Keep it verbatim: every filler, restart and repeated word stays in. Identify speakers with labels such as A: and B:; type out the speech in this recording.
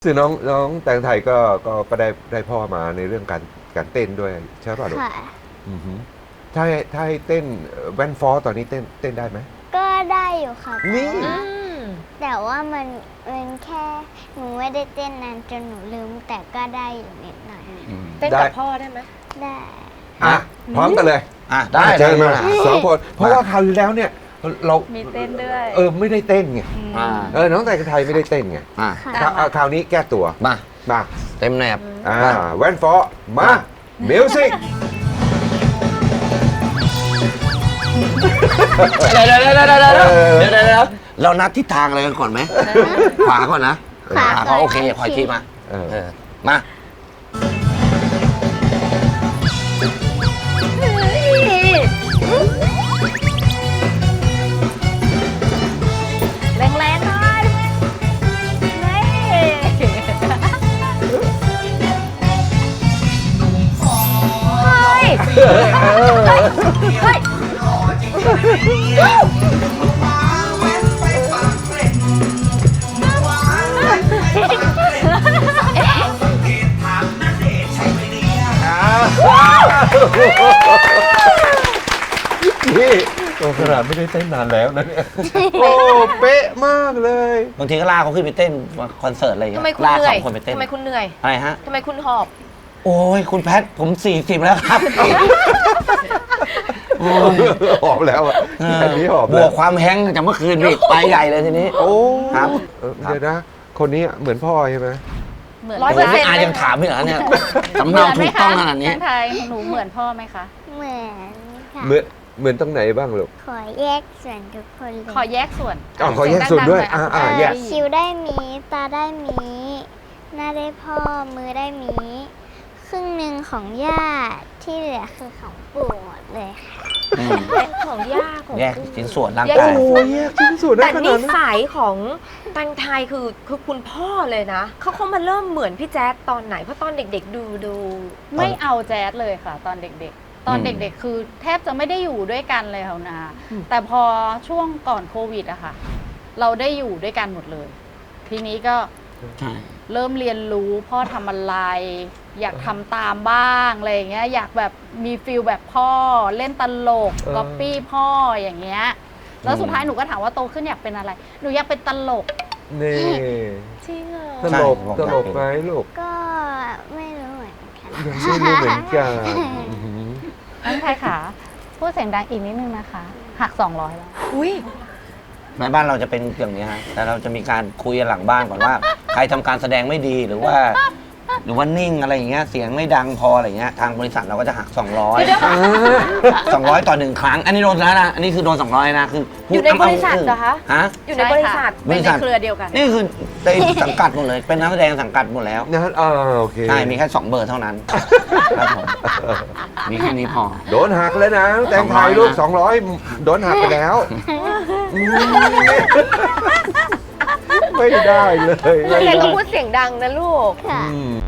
A: คือน้องน้องแตงไทยก็ก็ก็ได้ได้พ่อมาในเรื่องการการเต้นด้วยใช่ป่ะลูก
B: ค่ะ
A: อือหือถ้าให้ถ้าให้เต้นแว่นฟอตอนนี้เต้นเต้นได้ไหม
B: ก็ได้อยู่ค่ะ
A: นี่
B: แต่ว่าแต่ว่ามันมันแค่หนูไม่ได้เต้นนานจนหนูลืมแต่ก็ได้อยู่นิดหน่อย
C: เต้นกับพ่อได้ไหม
B: ได้
A: อ่ะพร้อมกันเลย
D: อ่ะได้
A: เชิญมา
D: ได้
A: สองคนเพราะว่าคราวที่แล้วเนี่ยเรา
C: มีเต้นด้วย
A: เออไม่ได้เต้นไง
D: อ่า
A: เออน้องแตงไทยไม่ได้เต้นไง
D: อ่ะ
B: ค่ะ
A: คราวอ่ะคราวนี้แก้ตัว
D: มา
A: มา
D: เต็มแนบ
A: อ่าแว่นฟอมามิวสิก
D: เดี๋ยวเดี๋ยวเดี๋ยวเดี๋ยวเดี๋ยวเดี๋ยวเดี๋ยวเดี๋ยวเรานัดทิศทางอะไรกันก่อนไหมขวาก่อนนะ
B: ขวาก่อน
D: โอเคขออีกทีมา
A: เออ
D: เออมา
C: แรงแรงๆหน่อยนี่เฮ้ยเฮ้ย
A: นี่โอ้ขนาดไม่ได้เต้นนานแล้วนะเนี่ยโอ้เป๊ะมากเลย
D: บางทีก็ลากเขาขึ้นไปเต้นคอนเสิร์ตอะไรอย่าง
C: ทำ
D: เงี้
C: ไม
D: ย
C: คุณ
D: ลาก
C: เหนื่
D: ส
C: อ
D: อย งคนไปเต้น
C: ทำไมคุณเหนื่อย
D: อะไรฮะ
C: ทำไมคุณหอบ
D: โอ้ยคุณแพทผมสี่สิบแล้วครับโอ้ย
A: หอบแล้วอ่ะอันนี้หอบบ แล้ว
D: วกความแห้งก์จากเมื่อคืนอีกไปใหญ่เลยทีนี้
A: โอ้
D: ครับ
A: เออเดี๋ยวนะ คนนี้เหมือนพ่อใช่ไหม
E: เหมือน
C: ร้อย
D: ผ
C: เปอ
D: ม
C: ร์เซ็นต์
D: อายังถามไม่เหรอเนี่ยสำเนาถูกต้องขนาดนี้
E: แตงไทยหนูเหมือนพ่อไหมคะ
B: เหมือนค่ะ
A: เหมือนเหมือนตรงไหนบ้างลูก
B: ขอแยกส่วนทุกคนเลย
E: ขอแยกส่วน
A: อ๋อขอแยกส่วนด้วยอ่าอ่าแยก
B: คิ้วได้หมีตาได้หมีหน้าได้พ่อมือได้หมีครึ่งหนึ่งของย่าที่เหลือคือของปู่หมดเลยค่ะ
D: อืม
C: ของย่าของ
D: แยกชิ้นส่วนร่าง
C: แยก
D: กาย
A: โอ้ยแยกชิ้นส่วนได้
C: แต่
A: ข
C: นิ
A: นาดนั้น
C: สัยของแตงไทยคือคือคุณพ่อเลยนะเขาเขามาเริ่มเหมือนพี่แจ๊ดตอนไหนเพราะตอนเด็กๆดูดู
E: ไม่เอาแจ๊สเลยค่ะ ตอนเด็กๆ ตอนเด็กๆ คือแทบจะไม่ได้อยู่ด้วยกันเลยค่ะนาแต่พอช่วงก่อนโควิดอะค่ะ เราได้อยู่ด้วยกันหมดเลย ทีนี้ก็
D: ใช่
E: เริ่มเรียนรู้พ่อทำอะไร อยากทำตามบ้างอะไรอย่างเงี้ยอยากแบบมีฟิลแบบพ่อเล่นตลกก๊อปปี้พ่ออย่างเงี้ยแล้วสุดท้ายหนูก็ถามว่าโตขึ้นอยากเป็นอะไร หนูอยากเป็นตลก
A: นี่
C: จริงเหรอ
A: ตลกตลกไหมลูก
B: ก็ไม่รู้เหมือนกัน
A: ยังไม่รู้เหมือนกันอื้อหือ
E: แตงไทยค่ะพูดเสียงดังอีกนิดนึงนะคะ หักสองร้อยแล้ว
C: อุ้ย
D: ในบ้านเราจะเป็นอย่างนี้ฮะแต่เราจะมีการคุยกันหลังบ้านก่อนว่า ใครทำการแสดงไม่ดีหรือว่า หรือว่านิ่งอะไรอย่างเงี้ยเสียงไม่ดังพออะไรเงี้ยทางบริษัทเราก็จะหัก สองร้อย สองร้อยต่อหนึ่งครั้ง อันนี้โดนแล้วนะอันนี้คือโดนสองร้อยนะคือพู
C: อ
D: ด
C: ยู่ในบริษัทเหรอคะ
D: ฮะ
C: อยู่ในบริษัท
D: บริษัท
E: เป็นในเครือเดียวกัน
D: นี่คือในสังกัดหมดเลย เป็นนักแสดงสังกัดหมดแล้ว
A: นะอ่าโอเค
D: ใช่ มีแค่สองเบอร์เท่านั้นครับผมมีแค่นี้พอ
A: โดนหักแล้วนะแตงไทยลูกสองร้อยโดนหักไปแล้วอืมไม่ได้เลย
C: เรียนก็พูดเสียงดังนะลูก
B: ค่ะ
A: อืม